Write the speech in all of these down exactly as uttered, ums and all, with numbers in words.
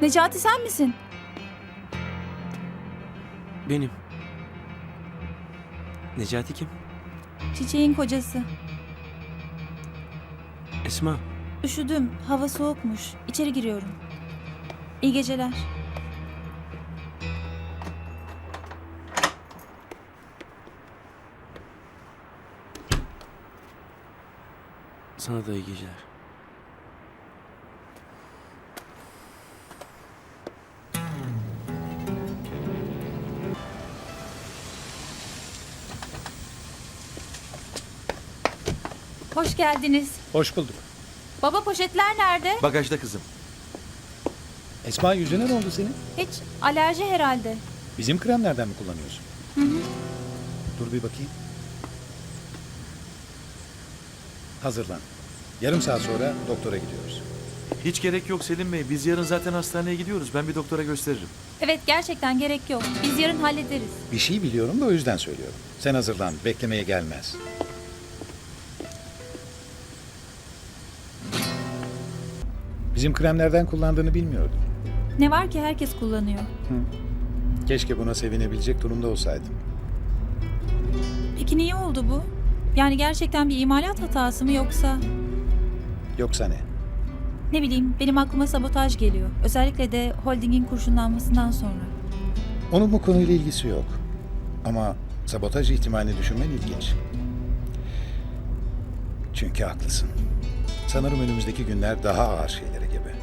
Necati sen misin? Benim. Necati kim? Çiçeğin kocası. Esma. Üşüdüm. Hava soğukmuş. İçeri giriyorum. İyi geceler. Sana da iyi geceler. Hoş geldiniz. Hoş bulduk. Baba poşetler nerede? Bagajda kızım. Esma yüzüne ne oldu senin? Hiç alerji herhalde. Bizim kremlerden mi kullanıyorsun? Hı hı. Dur bir bakayım. Hazırlan. Yarım saat sonra doktora gidiyoruz. Hiç gerek yok Selim Bey. Biz yarın zaten hastaneye gidiyoruz. Ben bir doktora gösteririm. Evet gerçekten gerek yok. Biz yarın hallederiz. Bir şey biliyorum da o yüzden söylüyorum. Sen hazırlan. Beklemeye gelmez. Bizim kremlerden kullandığını bilmiyordum. Ne var ki herkes kullanıyor. Keşke buna sevinebilecek durumda olsaydım. Peki niye oldu bu? Yani gerçekten bir imalat hatası mı yoksa? Yoksa ne? Ne bileyim benim aklıma sabotaj geliyor. Özellikle de holdingin kurşunlanmasından sonra. Onun bu konuyla ilgisi yok. Ama sabotaj ihtimalini düşünmen ilginç. Çünkü haklısın. Sanırım önümüzdeki günler daha ağır şeylere gebe.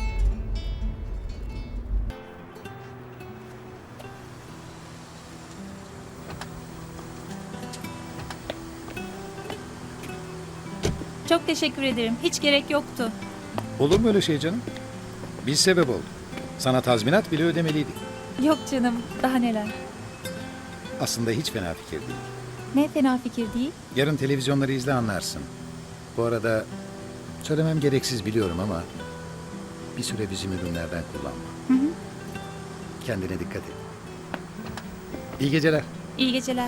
Çok teşekkür ederim. Hiç gerek yoktu. Olur mu öyle şey canım? Biz sebep olduk. Sana tazminat bile ödemeliydik. Yok canım. Daha neler. Aslında hiç fena fikir değil. Ne fena fikir değil. Yarın televizyonları izle anlarsın. Bu arada söylemem gereksiz biliyorum ama bir süre bizim ürünlerden kullanma. Hı hı. Kendine dikkat et. İyi geceler. İyi geceler.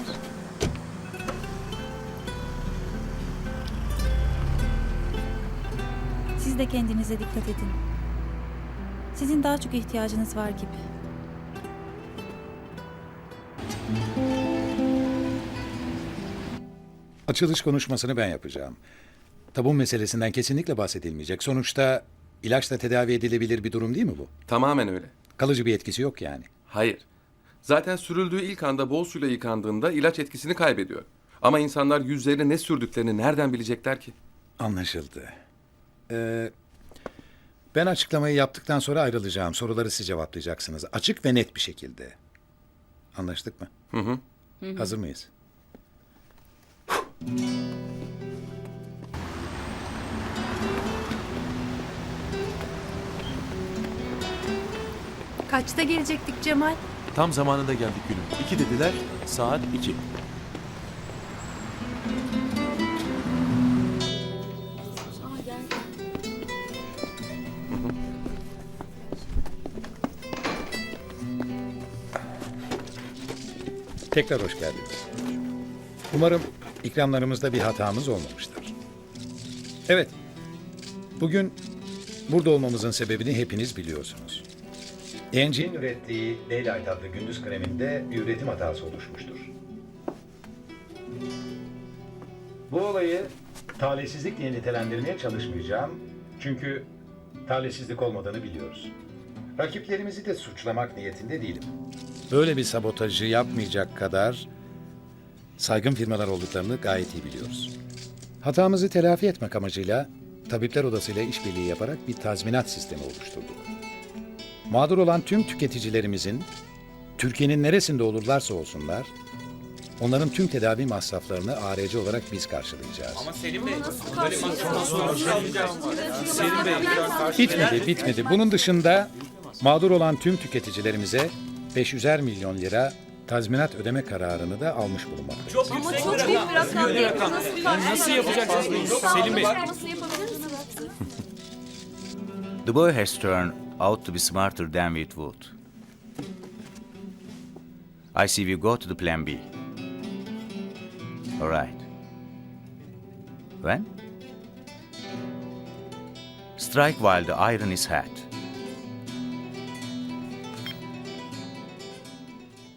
Siz de kendinize dikkat edin. Sizin daha çok ihtiyacınız var gibi. Açılış konuşmasını ben yapacağım. Tabun meselesinden kesinlikle bahsedilmeyecek. Sonuçta ilaçla tedavi edilebilir bir durum değil mi bu? Tamamen öyle. Kalıcı bir etkisi yok yani. Hayır. Zaten sürüldüğü ilk anda bol suyla yıkandığında ilaç etkisini kaybediyor. Ama insanlar yüzlerine ne sürdüklerini nereden bilecekler ki? Anlaşıldı. Ee, ben açıklamayı yaptıktan sonra ayrılacağım. Soruları siz cevaplayacaksınız. Açık ve net bir şekilde. Anlaştık mı? Hı hı. Hazır mıyız? Kaçta gelecektik Cemal? Tam zamanında geldik gülüm. İki dediler, saat iki. Tekrar hoş geldiniz. Umarım ikramlarımızda bir hatamız olmamıştır. Evet, bugün burada olmamızın sebebini hepiniz biliyorsunuz. E N G'nin ürettiği Daylight adlı gündüz kreminde bir üretim hatası oluşmuştur. Bu olayı talihsizlik diye nitelendirmeye çalışmayacağım. Çünkü talihsizlik olmadığını biliyoruz. Rakiplerimizi de suçlamak niyetinde değilim. Böyle bir sabotajı yapmayacak kadar saygın firmalar olduklarını gayet iyi biliyoruz. Hatamızı telafi etmek amacıyla Tabipler Odası ile işbirliği yaparak bir tazminat sistemi oluşturduk. Mağdur olan tüm tüketicilerimizin Türkiye'nin neresinde olurlarsa olsunlar, onların tüm tedavi masraflarını A R C olarak biz karşılayacağız. Ama Selim Bey, böyle Selim Bey, Bitmedi, bitmedi. Bunun dışında mağdur olan tüm tüketicilerimize beş yüzer milyon lira tazminat ödeme kararını da almış bulunmaktayız. Ama çok büyük bir rakam değil. Nasıl, nasıl yapacaksınız bunu? Selim Bey. The boy has turned out to be smarter than we thought. I see we go to the plan B. All right. When? Strike while the iron is hot.